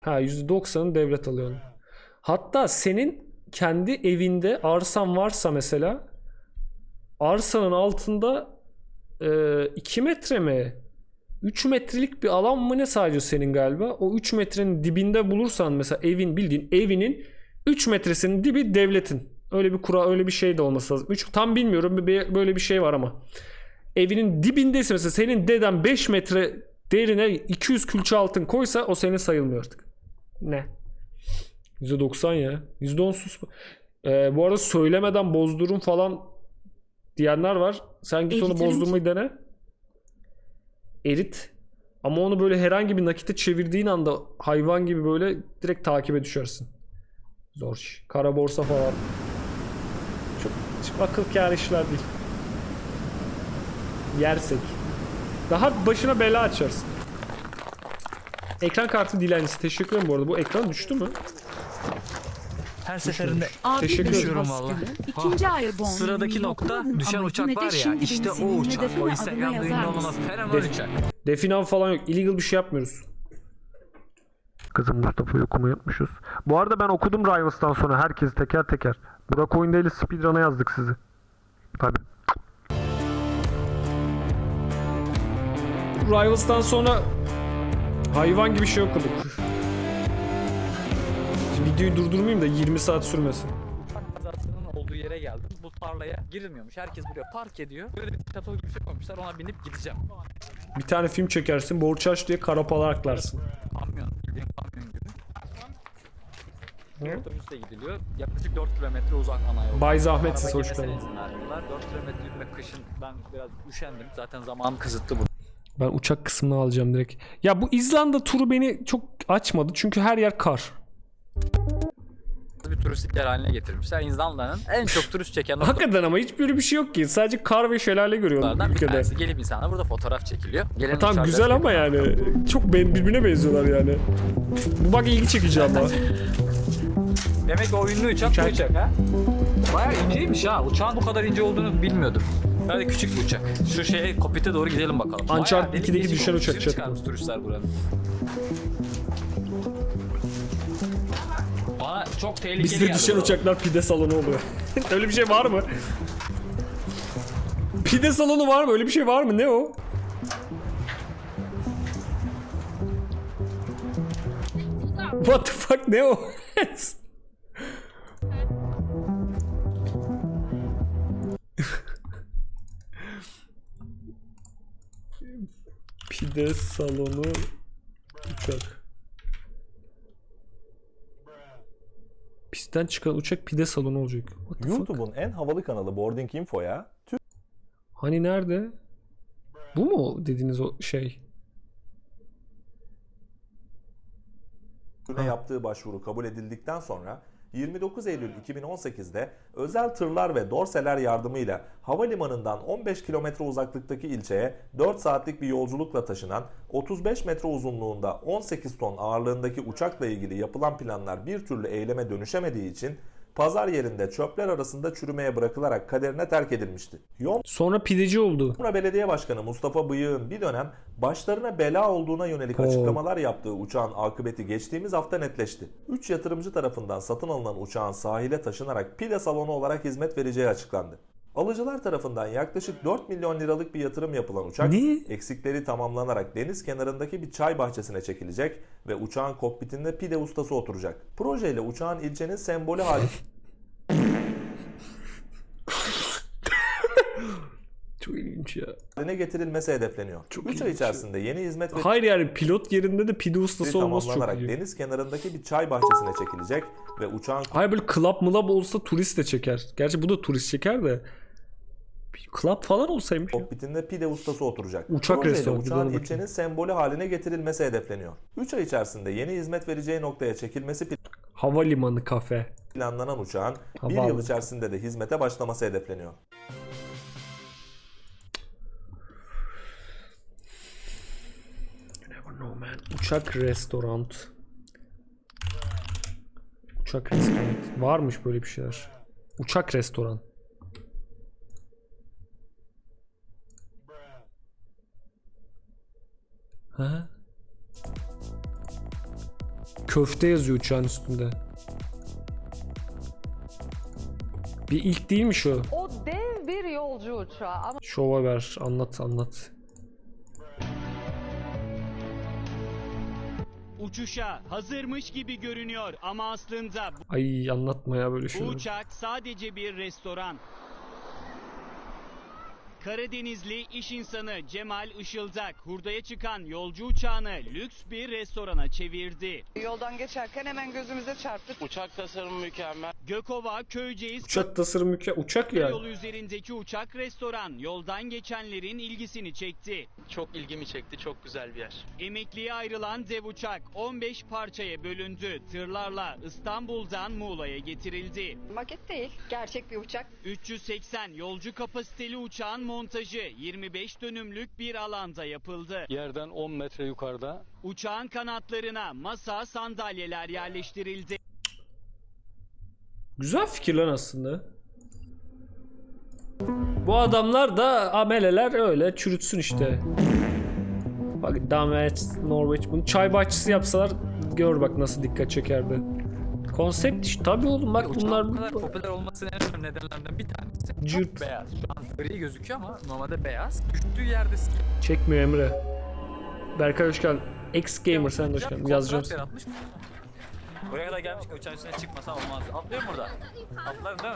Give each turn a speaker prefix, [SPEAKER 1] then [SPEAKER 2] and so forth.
[SPEAKER 1] Ha, %90'ını devlet alıyor. Hatta senin kendi evinde arsan varsa mesela, arsanın altında 2 metre mi? 3 metrelik bir alan mı ne sadece senin galiba? O 3 metrenin dibinde bulursan mesela, evin, bildiğin evinin 3 metresinin dibi devletin. Öyle bir kural, öyle bir şey de olması lazım. Tam bilmiyorum, böyle bir şey var ama. Evinin dibindeyse mesela, senin deden 5 metre derine 200 külçe altın koysa o senin sayılmıyor artık. Ne? %90 ya. %10 sus. Bu arada söylemeden bozdurun falan diyenler var. Sen git onu bozdurmayı dene. Erit. Ama onu böyle herhangi bir nakite çevirdiğin anda hayvan gibi böyle direkt takibe düşersin. Zor iş. Kara borsa falan. Çok akıl kâr işler değil. Yersek. Daha başına bela açarsın. Ekran kartı dilencisi. Teşekkür ederim bu arada. Bu ekran düştü mü?
[SPEAKER 2] Her seferinde
[SPEAKER 1] Teşekkür ederim.
[SPEAKER 2] vallahi.
[SPEAKER 3] İkinci Airborne.
[SPEAKER 2] Sıradaki nokta düşen uçak var ya, işte o uçak. O Instagram'da ünlü olan fenomen uçak.
[SPEAKER 1] Definav falan yok. Illegal bir şey yapmıyoruz. Kızım Mustafa'yı okumayı unutmuşuz. Bu arada ben okudum Rivals'tan sonra herkesi teker teker. Burak Oyundaylı speedrun'a yazdık sizi. Tabii. Rivals'tan sonra hayvan gibi şey okuduk. Şimdi videoyu durdurmayayım da 20 saat sürmesin.
[SPEAKER 2] Uçak kazasının olduğu yere geldim. Bu tarlaya girilmiyormuş. Herkes buraya park ediyor. Böyle bir şato gibi bir şey koymuşlar. Ona binip gideceğim.
[SPEAKER 1] Bir tane film çekersin, borç aç diye karapalar aklarsın.
[SPEAKER 2] Kamyon, bildiğin kamyon gibi. Otobüsle gidiliyor. Yaklaşık 4 kilometre uzak ana yol.
[SPEAKER 1] Bay zahmetsiz,
[SPEAKER 2] Araba
[SPEAKER 1] hoş
[SPEAKER 2] girmesine
[SPEAKER 1] geldin.
[SPEAKER 2] izin vermiyorlar. 4 kilometre yürümek kışın, ben biraz üşendim. Zaten zamanım kısıtlı bu.
[SPEAKER 1] Ben uçak kısmını alacağım direkt. Ya bu İzlanda turu beni çok açmadı çünkü her yer kar.
[SPEAKER 2] Bir turistik yer haline getirmişler. İzlanda'nın en çok turist çeken noktalardan
[SPEAKER 1] Hakikaten ama hiç böyle bir şey yok ki. Sadece kar ve şelale görüyorum
[SPEAKER 2] bir
[SPEAKER 1] ülkede.
[SPEAKER 2] tanesi. Gelip insanlar burada fotoğraf çekiliyor. Gelen
[SPEAKER 1] Tamam
[SPEAKER 2] uçaklar
[SPEAKER 1] güzel ama
[SPEAKER 2] çekiliyor.
[SPEAKER 1] yani çok birbirine benziyorlar yani. Bu bak ilgi çekici ama.
[SPEAKER 2] Demek ki o ünlü uçak bu uçak ha. Bayağı inceymiş ha. Uçağın bu kadar ince olduğunu bilmiyordum. Böyle küçük bir uçak. Şu şeye kokpite doğru gidelim bakalım.
[SPEAKER 1] Uncharted
[SPEAKER 2] Bayağı
[SPEAKER 1] 2'deki
[SPEAKER 2] delik
[SPEAKER 1] düşen
[SPEAKER 2] deşik
[SPEAKER 1] uçak
[SPEAKER 2] olmuş.
[SPEAKER 1] çatı.
[SPEAKER 2] Çıkarmış turistler buranın. Bana çok tehlikeli
[SPEAKER 1] Bizde
[SPEAKER 2] geldi
[SPEAKER 1] düşen
[SPEAKER 2] bu.
[SPEAKER 1] uçaklar pide salonu oluyor. Öyle bir şey var mı? Pide salonu var mı? Öyle bir şey var mı? Ne o? What the fuck, ne o? Pide salonu uçak. Pistten çıkan uçak pide salonu olacak. What the fuck?
[SPEAKER 4] YouTube'un en havalı kanalı Boarding Info'ya
[SPEAKER 1] Hani nerede? Bu mu dediğiniz o şey?
[SPEAKER 4] Türkiye yaptığı başvuru kabul edildikten sonra 29 Eylül 2018'de özel tırlar ve dorseler yardımıyla havalimanından 15 kilometre uzaklıktaki ilçeye 4 saatlik bir yolculukla taşınan 35 metre uzunluğunda 18 ton ağırlığındaki uçakla ilgili yapılan planlar bir türlü eyleme dönüşemediği için pazar yerinde çöpler arasında çürümeye bırakılarak kaderine terk edilmişti.
[SPEAKER 1] Sonra pideci oldu.
[SPEAKER 4] Yomra Belediye Başkanı Mustafa Bıyık'ın bir dönem başlarına bela olduğuna yönelik açıklamalar yaptığı uçağın akıbeti geçtiğimiz hafta netleşti. 3 yatırımcı tarafından satın alınan uçağın sahile taşınarak pide salonu olarak hizmet vereceği açıklandı. Alıcılar tarafından yaklaşık 4 milyon liralık bir yatırım yapılan uçak, eksikleri tamamlanarak deniz kenarındaki bir çay bahçesine çekilecek ve uçağın kokpitinde pide ustası oturacak. Projeyle uçağın ilçenin sembolü
[SPEAKER 1] Çok ilginç ya.
[SPEAKER 4] haline getirilmesi hedefleniyor. 3 ay içerisinde yeni hizmet ve
[SPEAKER 1] Hayır yani pilot yerinde de pide ustası olması çok
[SPEAKER 4] tamamlanarak
[SPEAKER 1] iyi.
[SPEAKER 4] deniz kenarındaki bir çay bahçesine çekilecek ve uçağın
[SPEAKER 1] Hayır böyle club mılab olsa turist de çeker. Gerçi bu da turist çeker de. Bir club falan olsaymış ya.
[SPEAKER 4] kokpitinde pide ustası oturacak.
[SPEAKER 1] Uçak
[SPEAKER 4] Projeyle
[SPEAKER 1] restoranı,
[SPEAKER 4] uçağın
[SPEAKER 1] bir de ona
[SPEAKER 4] ilçenin sembolü haline getirilmesi hedefleniyor. 3 ay içerisinde yeni hizmet vereceği noktaya çekilmesi
[SPEAKER 1] Havalimanı kafe.
[SPEAKER 4] planlanan uçağın bir
[SPEAKER 1] Havaalanı.
[SPEAKER 4] yıl içerisinde de hizmete başlaması hedefleniyor.
[SPEAKER 1] You never know man. Uçak restoran. Uçak restoran. Varmış böyle bir şeyler. Uçak restoran. Ha? köfte yazıyor uçağın üstünde. Bir ilk değil mi şu?
[SPEAKER 3] O dev bir yolcu uçağı ama
[SPEAKER 1] Şova ver, anlat.
[SPEAKER 5] Uçuşa hazırmış gibi görünüyor ama aslında
[SPEAKER 1] Ay anlatma ya böyle
[SPEAKER 5] bu
[SPEAKER 1] şeyler.
[SPEAKER 5] uçak sadece bir restoran. Karadenizli iş insanı Cemal Işıldak hurdaya çıkan yolcu uçağını lüks bir restorana çevirdi.
[SPEAKER 3] yoldan geçerken hemen gözümüze çarptı.
[SPEAKER 6] Uçak tasarımı mükemmel.
[SPEAKER 5] Gökova Köyceğiz
[SPEAKER 1] Uçak tasarımı uçak ya.
[SPEAKER 5] yolu üzerindeki uçak restoran yoldan geçenlerin ilgisini çekti.
[SPEAKER 6] Çok ilgimi çekti. Çok güzel bir yer.
[SPEAKER 5] Emekliye ayrılan dev uçak 15 parçaya bölündü. Tırlarla İstanbul'dan Muğla'ya getirildi.
[SPEAKER 3] Maket değil, gerçek bir uçak.
[SPEAKER 5] 380 yolcu kapasiteli uçağın montajı 25 dönümlük bir alanda yapıldı.
[SPEAKER 7] Yerden 10 metre yukarıda
[SPEAKER 5] Uçağın kanatlarına masa, sandalyeler yerleştirildi.
[SPEAKER 1] Güzel fikir lan aslında. Bu adamlar da ameleler öyle çürütsün işte. Bak Damet, Norveç bunu çay bahçesi yapsalar gör bak nasıl dikkat çekerdi. Konsept işte tabii oğlum bak
[SPEAKER 2] Uçağın
[SPEAKER 1] bunlar
[SPEAKER 2] bu kadar popüler olmasının en önemli nedenlerinden bir tanesi
[SPEAKER 1] Cırt.
[SPEAKER 2] çok beyaz. Şu an gri gözüküyor ama normalde beyaz. Düştüğü yerde
[SPEAKER 1] çekmiyor Emre. Berkay hoş geldin. X Gamer sen de hoş geldin. Yazacağım
[SPEAKER 2] kontrat yaratmış. Buraya kadar gelmiş ki uçağın üstüne çıkmasa olmaz. Atlıyorum burada. Atlarım değil